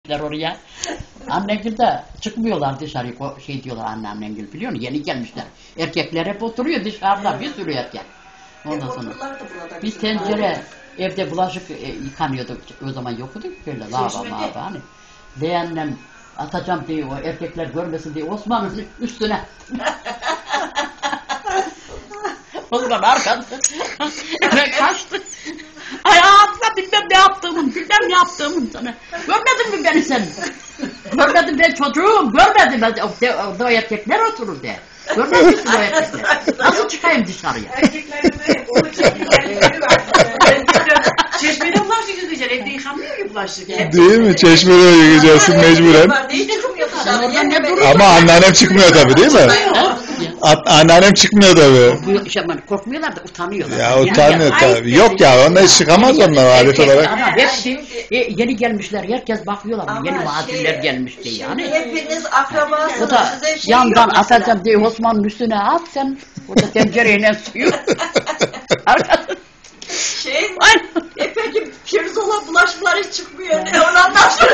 oraya. Annengil de çıkmıyorlar dışarı, şey diyorlar anneannengil biliyor musun? Yeni gelmişler. Erkekler hep oturuyor dışarıda, bir sürü erkek. Ondan sonra biz tencere, evde bulaşık yıkanıyorduk, o zaman yoktu böyle lavabo hani. Leğenle atacağım diye o erkekler görmesin diye Osman'ın üstüne. Osman arkası. Eve kaçtı. Ay abla bilmem ne yaptığımın sana. Görmedin mi beni sen? Görmedin ben çocuğum, görmedim ben. O erkekler oturur de. Görmedin mi o erkekler? Nasıl çıkayım dışarıya? Erkeklerin de onu çektikleri var. Çeşmede bulaşık yıkayacaksın, evde yıkanmıyor ki bulaşık. Değil mi? Çeşmede yıkayacaksın mecburen. Ama anneannem çıkmıyor tabii değil mi? Anneannem çıkmıyor tabii. Korkmuyorlar da utanıyorlar. Ya utanmıyor tabii. Yok ya onlar çıkamaz onlar adet olarak. Ama hepsi yeni gelmişler. Herkes bakıyorlar. Ama yeni muhacirler gelmiş diye yani. Hepiniz akrabasınız. O da yandan atacağım diye Osman'ın üstüne at sen. O da tencereyle suyu. Peki pirzola bulaşıklar hiç çıkmıyor. Ne onu anlatsın.